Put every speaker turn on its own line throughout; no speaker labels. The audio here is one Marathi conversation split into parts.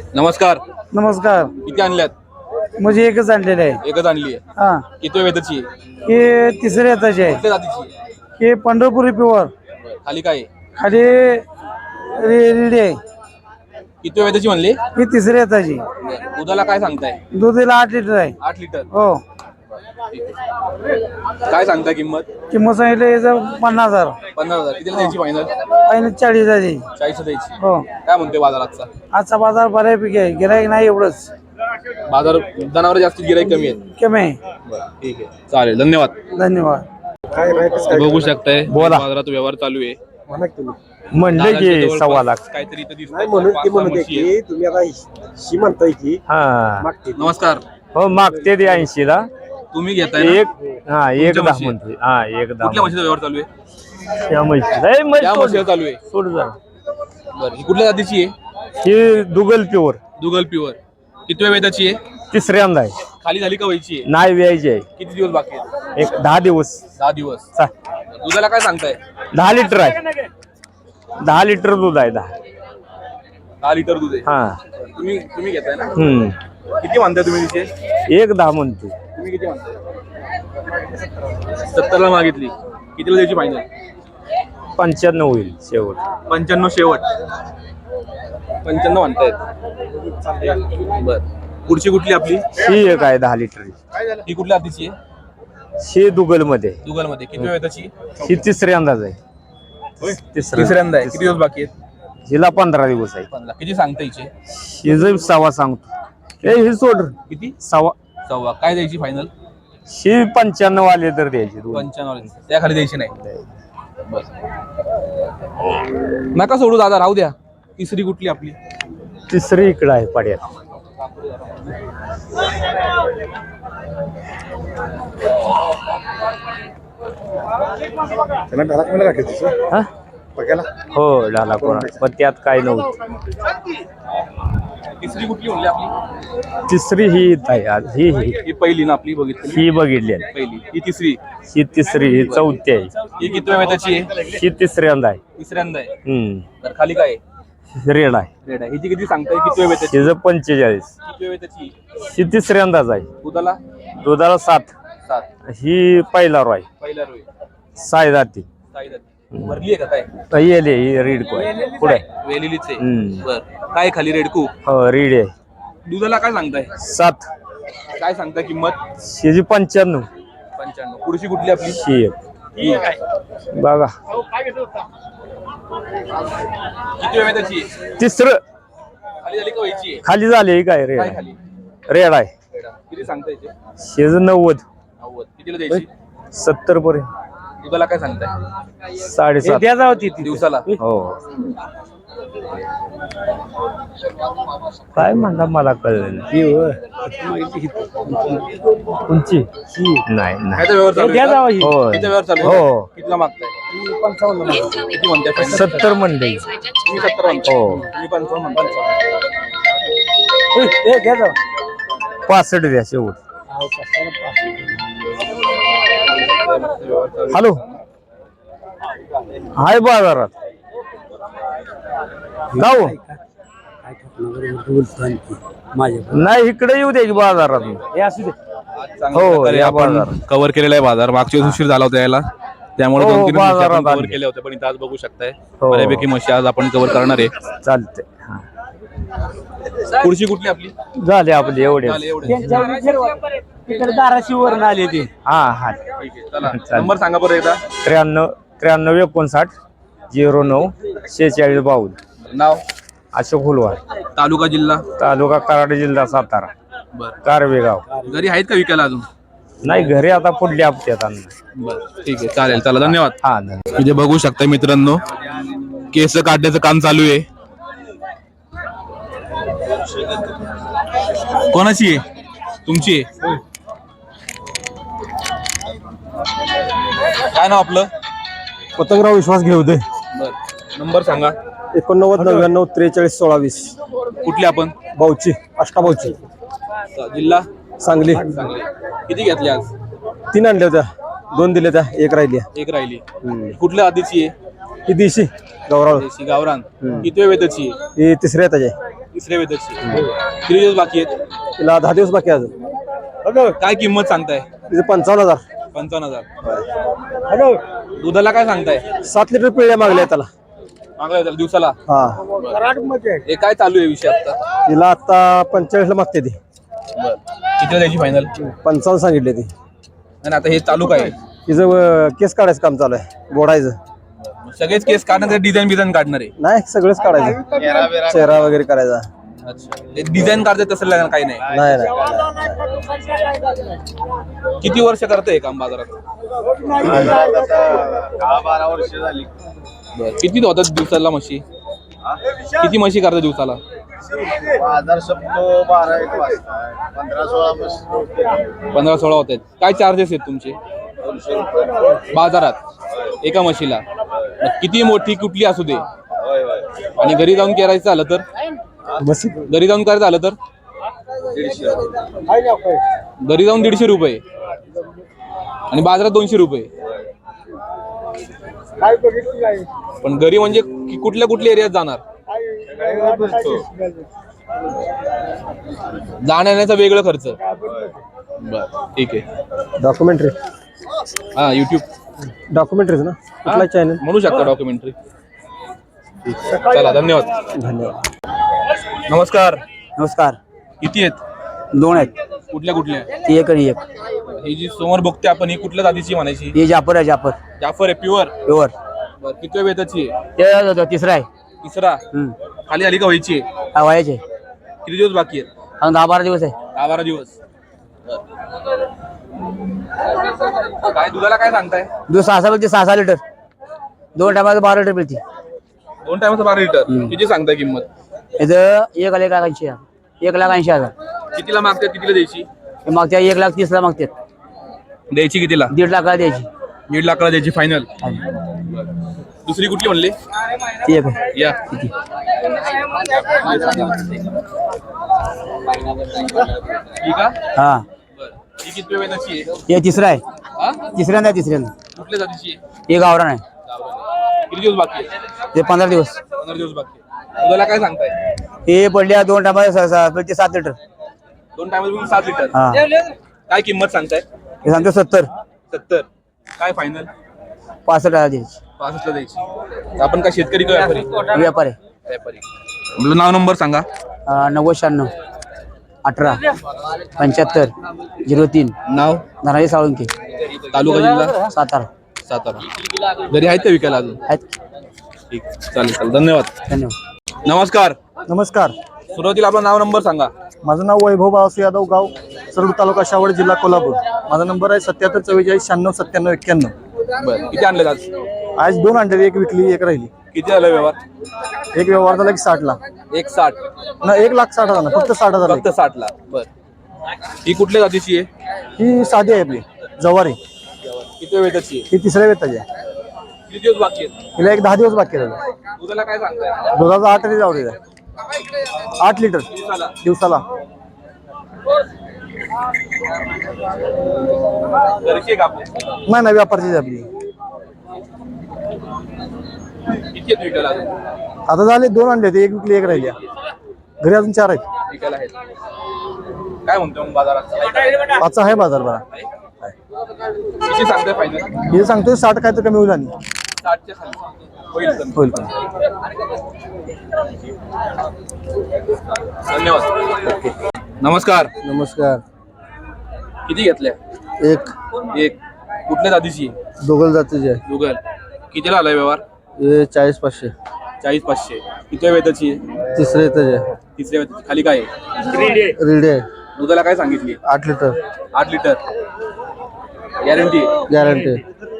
नमस्कार.
नमस्कार.
किती आणल्यात?
म्हणजे एकच आणलेलं आहे.
एकच आणली आहे.
हा,
किती वेताची आहे?
हे तिसऱ्या येताचे आहे.
कुठल्या जातीची आहे?
हे पंढरपुरी प्युअर.
खाली काय आहे?
खाली रेडी आहे.
किती वेताची म्हणली?
ही तिसऱ्या येताची.
दुधाला काय सांगताय?
दुधीला 8 लिटर आहे.
8 लिटर.
हो.
ठीक आहे. काय सांगताय किंमत?
किंमत सांगितलं याचं 50,000.
50,000. कितीला द्यायची फायनल?
फायनल 40 द्यायची.
40 द्यायची.
हो.
काय म्हणते बाजाराचा?
आजचा बाजार बऱ्यापैकी आहे. गिराईक नाही एवढंच.
बाजार जनावर जास्त गिराईक कमी आहेत.
कमी आहे.
ठीक आहे. चालेल. धन्यवाद.
धन्यवाद.
बघू शकताय बाजारात व्यवहार चालू आहे.
म्हणले की 1.25 लाख.
काहीतरी इथं दिसतंय.
नाही म्हणून
पाच
ती
सहा
म्हणते
म्हशी आहेत.
की तुम्ही आता शी म्हणताय की
हा
मागते
नमस्कार.
हो मागते ते 80 ला.
तुम्ही घेताय ना?
एक
तुमच्या
10
म्हशी?
म्हणते. हा एक 10.
कुठल्या म्हशीचा व्यवहार चालू आहे?
या म्हशी लय म्हशी
त्या
सोड.
म्हशीचा चालू आहे.
सोड जा.
बरं. ही कुठल्या जातीची आहे?
ही दुगल प्युअर
दुगल प्युअर. किती वेताची आहे?
तिसऱ्यांदा आहे.
खाली झाली का व्हायची आहे?
नाही व्यायची आहे.
किती दिवस बाकी आहेत?
एक 10 दिवस.
10 दिवस.
चा.
दुधाला काय सांगताय?
10 लिटर आहे. 10 लिटर दूध आहे.
10 लिटर दूध आहे.
हा.
तुम्ही घेताय ना? किती म्हणताय तुम्ही तिचे?
एक 10 म्हणते.
तुम्ही किती म्हणताय? 70 ला मागितली. कितीला द्यायची फायनल?
95 होईल शेवट.
95 शेवट. 95 म्हणतायत. बर. पुढची कुठली आपली?
ही एक आहे 10 लिटर.
ही कुठल्या जातीची आहे?
ही दुगल मध्ये.
दुगल मध्ये. किती वेताची?
ही तिसऱ्यांदाच आहे.
तिसऱ्यांदा आहे. किती दिवस बाकी आहेत?
हिला 15 दिवस आहे.
15. किती सांगता हिचे?
ही जर 1.25 सांगतो. हे सोड
किती?
1.25.
1.25. काय द्यायची फायनल?
ही 95 आले तर द्यायची.
95. त्या खाली द्यायची नाही. बर. नका सोडू दादा, राहू द्या. तिसरी कुठली आपली?
तिसरी इकडं आहे पाड्यात.
त्यांना ढाला कमी राखायचं
हा?
बघायला.
हो डाला कोणा पण त्यात काय नव्हतं.
तिसरी कुठली म्हणली आपली?
तिसरी ही इथं आहे आज. ही ही
ही पहिली ना आपली बघितली?
ही बघितली आहे.
पहिली. ही तिसरी.
ही तिसरी ही चौथी आहे.
ही किती वेताची आहे?
ही तिसऱ्यांदा आहे.
तिसऱ्यांदा आहे. तर खाली काय आहे?
रेड आहे.
रेड आहे. हिची किती सांगताय? किती वेताची?
हिचं 45.
किती वेताची?
ही तिसऱ्यांदाच आहे.
दुधाला?
दुधाला 7.
7.
ही पहिला रो आहे.
पहिला रोय.
साय जाती.
साई जाती. भरली आहे का काय?
येले ही रेड को पुढे.
वेलेलीच आहे. बर. काय खाली रेडकू?
हो रेड आहे.
दुधाला काय सांगताय?
7.
काय सांगताय किंमत?
हिची 95.
95. पुढची कुठली आपली?
ही एक.
ही काय?
बघा
किती वेताची?
तिसरं
खाली झाली का व्हायची आहे?
खाली झाले काय रेड
काय
आहे.
खाली?
रेड आहे.
किती सांगताय ते?
शेज 90.
90. कितीला द्यायची?
70 पर्यंत.
दुधाला काय सांगताय?
7.5.
द्या जाऊ ती.
दिवसाला?
हो काय म्हणता मला कळलं नाही. कोणची नाही नाही.
काय व्यवहार चालू
द्या
आहे
जावं
का?
ही.
हो
किती व्यवहार चालू आहे?
हो.
कितीला मागताय? 55. किती म्हणताय?
70 म्हणले.
तुम्ही 70 म्हणताय.
हो.
तुम्ही 55 म्हणताय.
ए, द्या जाऊ.
65 द्या शेवट. हॅलो हाय बाजारात गाव नाही इकडे येऊ द्या की बाजारात.
हे असू दे.
हो, या
आपण
बाजारात.
कव्हर केलेला आहे बाजार. मागच्या वेळेस उशीर झाला होता यायला, त्यामुळे
हो,
2-3
बाजारात
कव्हर
आले.
केले होते. पण इथं आज बघू शकताय
हो.
बऱ्यापैकी म्हशी आज आपण कव्हर करणार आहे.
चालते.
पुढची कुठली आपली?
झाले आपले एवढे.
झाले एवढे.
तिकडे धाराशिववरून आले ते.
हा हा
ठीक आहे. चला
चालेल.
नंबर सांगा बरं एकदा.
93 59 09 46 52.
नाव?
अशोक हुलवार.
तालुका जिल्हा?
तालुका कराड जिल्हा सातारा.
बरं.
कारवे गाव.
घरी आहेत का विकायला अजून?
नाही घरी आता पुढल्या हप्त्यात आणणार.
बरं ठीक आहे. चालेल. चला धन्यवाद.
हा
म्हणजे बघू शकता मित्रांनो, केस काढण्याचं काम चालू आहे. कोणाची आहे? तुमची आहे? काय नाव आपलं?
पतंगराव विश्वास घेऊ दे.
बर. नंबर सांगा.
89 99 43 16 20.
कुठले आपण?
बाऊची अष्टाबाऊची
जिल्हा?
सांगली.
चांगले. किती घेतले आज?
3 आणल्या होत्या, 2 दिल्या त्या, 1 राहिली.
एक राहिली. कुठल्या आधीची आहे?
ही देशी गौराव.
देशी गावरान. किती वेताची आहे?
ही तिसऱ्या त्याची.
तिसऱ्या वेताची किती दिवस बाकी आहेत?
तिला 10 दिवस बाकी आहे अजून.
काय किंमत सांगताय?
तिथे 55,000.
55,000. दुधाला काय सांगताय?
7 लिटर पिळ्या मागल्या त्याला.
मागला त्याला दिवसाला.
हा
हे काय चालू आहे विषय आता?
तिला आता 45 ला मागते ती.
किती द्यायची फायनल?
55 सांगितले ती.
आणि आता हे चालू काय?
तिचं केस काढायचं काम चालू आहे, बोडायचं.
सगळेच केस काढणार, डिझाईन बिझाईन काढणार आहे?
नाही, सगळंच काढायचं, चेहरा वगैरे करायचा.
अच्छा, ते डिझाईन काढते तसं काही नाही.
नाही नाही.
किती वर्ष करते हे काम बाजारात?
12 वर्ष झाली.
किती होतात दिवसाला म्हशी? किती म्हशी करतात दिवसाला?
बाजार संपतो 12-1 वाजता. 15-16 म्हशी.
15-16 होत आहेत. काय चार्जेस आहेत तुमचे
200 रुपये.
बाजारात एका म्हशीला? मग किती मोठी कुठली असू दे,
होय होय.
आणि घरी जाऊन करायचं झालं तर? घरी जाऊन करायचं झालं तर
150
घरी जाऊन 150 रुपये आणि बाजारात 200 रुपये. पण घरी म्हणजे कुठल्या कुठल्या एरियात जाणार? जाण्याचा वेगळा खर्च. बर, ठीक आहे.
डॉक्युमेंटरी.
हा, युट्यूब
डॉक्युमेंटरीज ना, कुठला चॅनल?
म्हणू शकता डॉक्युमेंटरी. चला, धन्यवाद.
धन्यवाद.
नमस्कार.
नमस्कार.
किती आहेत?
2 आहेत.
कुठल्या कुठल्या?
ती एक आणि एक.
ही जी समोर बघते आपण, ही कुठल्या जातीची म्हणायची?
ही जाफर आहे, जाफर
जाफर आहे, प्युअर.
प्युअर.
किती वेताची आहे?
ते तिसरा आहे.
तिसरा. खाली आली का व्हायची आहे?
हा वयाचे.
किती दिवस बाकी आहेत?
अजून 10-12 दिवस आहे.
10-12 दिवस. काय दुधाला काय सांगताय?
दूध 6 मिळते, 6 लिटर. 2 टायमाला 12 लिटर मिळते.
2 टायमाचं 12 लिटर. किती सांगताय किंमत?
इथं 1,80,000. 1,80,000.
कितीला मागतात, कितीला द्यायची?
हे मागत्या 1,30,000 मागतात.
द्यायची कितीला?
1.5 लाखाला द्यायची.
1.5 लाखाला द्यायची फायनल. दुसरी कुठली म्हणली?
ती एक आहे.
या. ठीक आहे.
हा,
ही किती वेताची आहे?
हे तिसरा आहे.
हा?
तिसऱ्यांदा तिसऱ्यांदा.
कुठल्या जातीची आहे?
हे गावरान आहे.
किती दिवस बाकी आहे?
ते 15 दिवस.
15 दिवस बाकी आहे. दुधाला काय सांगताय?
हे पडल्या 2 टायमाला 7 लिटर.
2 टायमाला 7 लिटर.
हा,
काय किंमत सांगताय?
हे सांगतो 70.
70. काय फायनल?
65,000 द्यायची.
65 द्यायची. आपण काय शेतकरी का व्यापारी?
व्यापार आहे.
व्यापारी. आपलं नाव नंबर सांगा.
9096 18 75 03.
नाव?
धनाजी साळुंके.
तालुका जिल्हा?
सातारा.
सातारा. घरी आहेत का विकायला अजून?
आहेत.
ठीक, चालेल चालेल, धन्यवाद.
धन्यवाद.
नमस्कार.
नमस्कार.
सुरुवातीला आपलं नाव नंबर सांगा.
माझं नाव वैभव बाळासू यादव, गाव सरड, तालुका शावड, जिल्हा कोल्हापूर. माझा नंबर आहे 77 44 96 97 91.
बरं, किती आणले आज?
आज 2 अंडे, एक विकली, एक राहिली.
किती झालं व्यवहार?
एक व्यवहार झाला की 60 ला.
160.
ना 1,60,000 ना, फक्त 60,000.
फक्त 60 ला. बरं, ही कुठल्या जातीची आहे?
ही साधी आहे आपली जवारी.
किती वेताची आहे?
ही तिसऱ्या वेताची आहे.
किती दिवस बाकी आहेत?
हिला एक 10 दिवस बाकी आहे.
दुधाला काय सांगताय?
दुधाचा 8 लिटर आवडेल. 8 लिटर दिवसाला.
घरची आहे का आपली?
नाही ना, व्यापारची आपली.
किती आहेत विकायला अजून?
आता झाले 2 अंडे, एक विकली, एक राहिली. घरी अजून 4 आहेत.
विकायला आहेत. काय म्हणतो मग बाजारात?
5 आहे बाजार बरा.
किती सांगताय फायनल?
हे सांगतोय 60 काय तर कमी होईल आणि
60च्या खाली होईल कमी.
होईल.
धन्यवाद. नमस्कार.
नमस्कार.
किती घेतल्या?
एक
कुठल्या जातीची?
दोघल जातीचे आहे.
गुगल. कितीला आलाय व्यवहार?
हे 40-500.
40-500. किती वेताची आहे?
तिसरे येतं आहे.
तिसऱ्या वेताची. खाली काय आहे?
रेडी आहे.
दुधाला काय सांगितली?
8 लिटर.
8 लिटर. गॅरंटी?
गॅरंटी.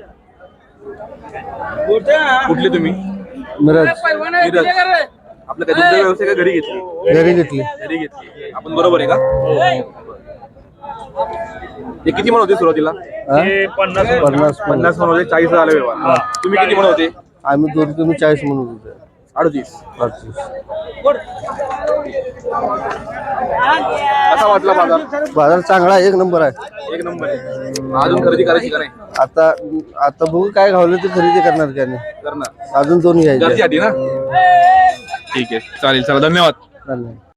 कुठली तुम्ही?
मिरज.
मिरज. आपलं काय दुग्ध व्यवसाय का घरी घेतली?
घरी घेतली.
घरी घेतली. आपण बरोबर आहे का? हे किती म्हणत होते सुरुवातीला? 50 म्हणत होते. 40 झाले व्यवहार. तुम्ही किती म्हणत होते?
आम्ही 2, तुम्ही 40 म्हणत होते.
38.
38.
कसा वाटला बाजार?
बाजार चांगला आहे, 1 नंबर आहे.
1 नंबर आहे. अजून खरेदी करायची का नाही?
आता बघू काय घावलं ते खरेदी करणार का नाही.
करणार.
अजून 2 घ्यायचे.
घरच्यासाठी ना? ठीक आहे, चालेल. चला, धन्यवाद.
चाललंय